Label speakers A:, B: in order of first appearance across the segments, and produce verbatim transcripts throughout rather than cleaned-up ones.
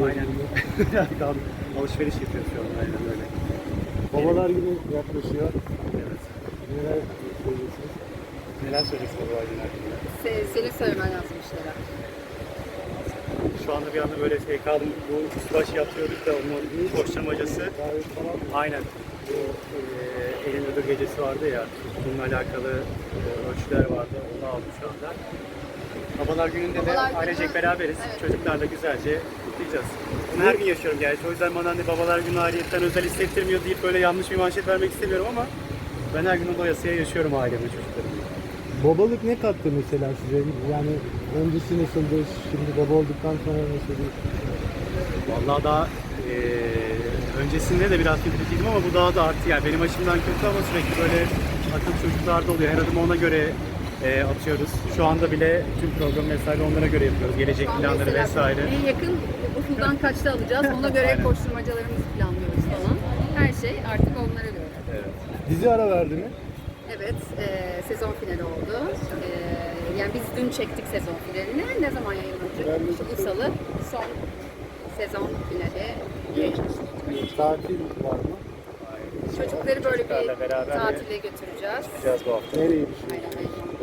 A: Aynen. Birazcık al- alışveriş yapıyoruz şu an. Aynen öyle.
B: Babalar Günü yaklaşıyor.
A: Evet.
B: Neler söyleyeceksiniz?
A: Neler söyleyeceksin babalar günü hakkında?
C: Se- senin söylemen lazım bir şeyler.
A: Şu anda bir anda böyle şey kaldım. Bu üstbaş yapıyorduk da onun koşturmacası.
B: Davet falan mı?
A: Aynen. Bu e, elin ödül gecesi vardı ya. Bununla alakalı e, ölçüler vardı. Onu aldım şu anda. Babalar gününde
C: Babalar
A: de
C: Günü,
A: ailecek beraberiz.
C: evet.
A: Çocuklarla güzelce kutlayacağız. Bunu her gün yaşıyorum gerçi. O yüzden bana hani babalar günü ayrıyetten özel hissettirmiyor deyip böyle yanlış bir manşet vermek istemiyorum ama ben her gün o doyasıya yaşıyorum ailemle, çocuklarımla.
B: Babalık ne kattı mesela size? Yani öncesi nasıldı? Şimdi baba olduktan sonra nasıl?
A: Vallahi daha e, öncesinde de biraz kötüydüm ama bu daha da arttı yani. Benim açımdan kötü ama sürekli böyle akıl çocuklarda oluyor. Her adımı ona göre e, atıyoruz. Şu anda bile tüm program vesaire onlara göre yapıyoruz. Gelecek
C: Şu an
A: planları
C: mesela
A: vesaire.
C: En yakın okuldan kaçta alacağız ona göre
A: Aynen.
C: koşturmacalarımızı planlıyoruz falan. Her şey artık onlara göre.
A: Evet.
B: Dizi ara verdi mi?
C: Evet, e, sezon finali oldu. E, yani biz dün çektik sezon finalini. Ne zaman yayınlanacak?
B: Ben de-
C: İşte bu salı son sezon finali yayınlanacak.
B: Tatil var mı?
C: Çocukları böyle bir
A: Çocuklarla beraber
C: tatile götüreceğiz.
A: Gideceğiz bu hafta.
B: Nereye düşüyor?
C: Aynen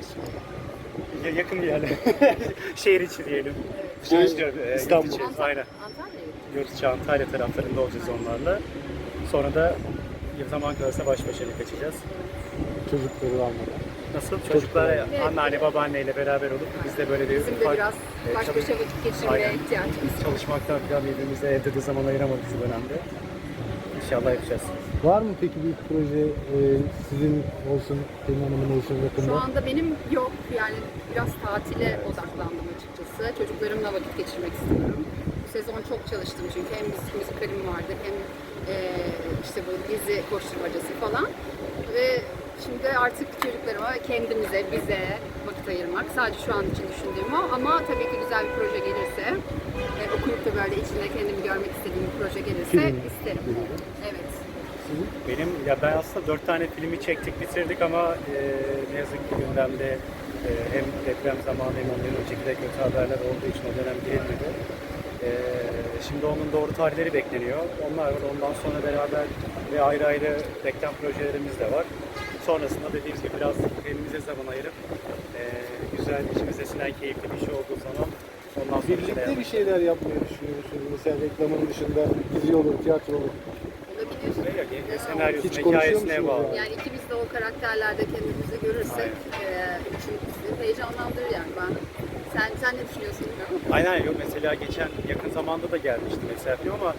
C: aynen.
A: Ya- Yakın bir yerle. Şehir içi diyelim.
B: Evet.
A: Şehir içi, e,
B: İstanbul.
A: yurt içi.
C: Antalya-
A: Aynen.
C: Antalya'ya gittik.
A: Yurt içi Antalya taraflarında olacağız onlarla. Sonra da zaman kalırsa baş başa bir kaçacağız.
B: Çocukları almadan.
A: Nasıl? Çocuklar
C: Evet.
A: anneanne babaanneyle beraber olup biz de böyle bir
C: Bizim de
A: ufak
C: biraz
A: e,
C: baş
A: çalış-
C: başa vakit geçirmeye
A: Aynen.
C: ihtiyacımız var.
A: çalışmaktan falan birbirimize evde de zaman ayıramadık şu dönemde. İnşallah yapacağız.
B: Var mı peki bir proje e, sizin olsun, Pelin Hanım'ın olsun yakında?
C: Şu anda benim yok. Yani biraz tatile odaklandım açıkçası. Çocuklarımla vakit geçirmek istiyorum. Bu sezon çok çalıştım çünkü hem müzik müzikalim vardı hem e, işte bu dizi koşturmacası falan. Ve şimdi artık çocuklarıma, kendimize, bize vakit ayırmak. Sadece şu an için düşündüğüm o. Ama tabii ki güzel bir proje gelirse, e, okuyup da böyle içinde kendimi görmek istediğim bir proje gelirse
B: Film.
C: isterim. Evet.
A: Benim ya ben aslında dört tane filmi çektik bitirdik ama e, ne yazık ki gündemde e, hem deprem zamanı hem ondan önceki de kötü haberler olduğu için o dönem girilmedi. E, şimdi onun doğru tarihleri bekleniyor. Onlar var. Ondan sonra beraber ve ayrı ayrı reklam projelerimiz de var. Sonrasında dediğimiz gibi biraz kendimize zaman ayırıp e, güzel, içimize sinen keyifli bir şey olduğu zaman ondan sonra
B: Birlikte bir şeyler yapmayı düşünüyor musunuz? Mesela reklamın dışında dizi olur, tiyatro olur.
C: Olabilir.
A: Ya,
C: Neden
B: Hiç
A: senaryosuna,
B: konuşuyor
A: hikayesine
B: musunuz
A: bağlı.
B: yani?
C: Yani ikimiz de o karakterlerde kendimizi görürsek e, içimizi heyecanlandırır yani ben. Sen sen ne düşünüyorsun bilmiyorum.
A: Aynen yok mesela geçen yakın zamanda da gelmişti mesela film ama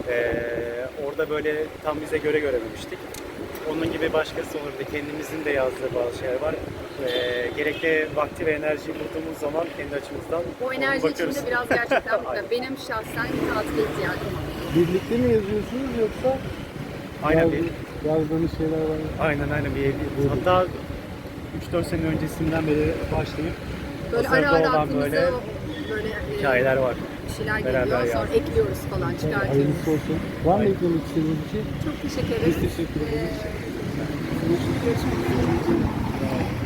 A: eee, orada böyle tam bize göre görememiştik. Onun gibi başkası olurdu. Kendimizin de yazdığı bazı şeyler var. Eee gerekli vakti ve enerjiyi bulduğumuz zaman kendi açımızdan
C: O enerji
A: bakıyoruz.
C: içinde biraz gerçekten
A: Aynen.
C: benim şahsen tatile ihtiyacım var.
B: Birlikte mi yazıyorsunuz yoksa
A: Aynen
B: yaz-
A: bir,
B: yazdığınız şeyler var mı?
A: aynen aynen bir evli. Hatta üç dört sene öncesinden beri başlayıp
C: Böyle
A: hazırda
C: ara ara
A: olan
C: aklımıza
A: böyle
C: böyle e,
A: hikayeler var.
C: bir şeyler
A: Beraber
C: geliyor sonra
A: yazdık.
C: ekliyoruz falan çıkartıyoruz.
B: Hayırlısı olsun. Var mı
A: Aynen.
B: eklemek istediğiniz bir şey?
C: Çok teşekkür
B: Biz
C: ederim.
B: teşekkür ederiz.
C: Ee, görüşmek üzere.